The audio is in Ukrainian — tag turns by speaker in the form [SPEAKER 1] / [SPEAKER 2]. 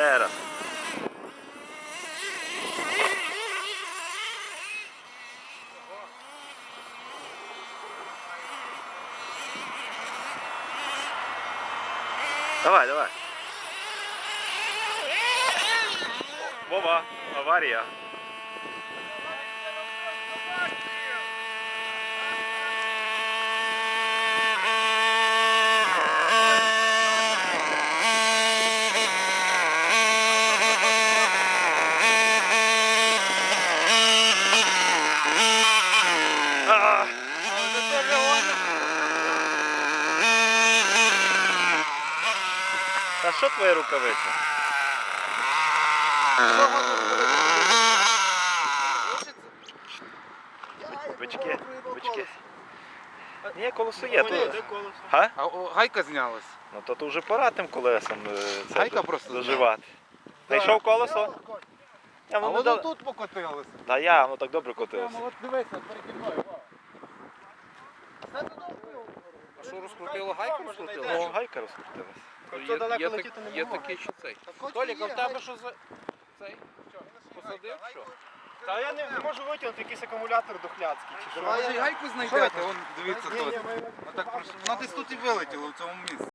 [SPEAKER 1] Ще раз. Давай, давай. Вова, аварія. Та що твоя рукавиця? Бички, бички. Ні, колесо є. Тут. Га?
[SPEAKER 2] А гайка знялась.
[SPEAKER 1] Ну то тут вже пора тим колесом
[SPEAKER 2] Гайка просто
[SPEAKER 1] доживати. Знайшов колесо?
[SPEAKER 2] А воно тут покотилося.
[SPEAKER 1] Та я, воно так добре котилося.
[SPEAKER 2] От дивися, переді мною. А що, розкрутило гайку?
[SPEAKER 1] Ну, гайка розкрутилась.
[SPEAKER 3] Хто далеко летіти не
[SPEAKER 2] Є
[SPEAKER 3] може.
[SPEAKER 2] такий, що цей. Толік, а в тебе що за... Цей? Посадив, що?
[SPEAKER 3] Та я не можу витягнути якийсь акумулятор дохляцький чи що.
[SPEAKER 2] Може і гайку знайдете, вон дивіться тут. Вона десь тут і вилетіла в цьому місці.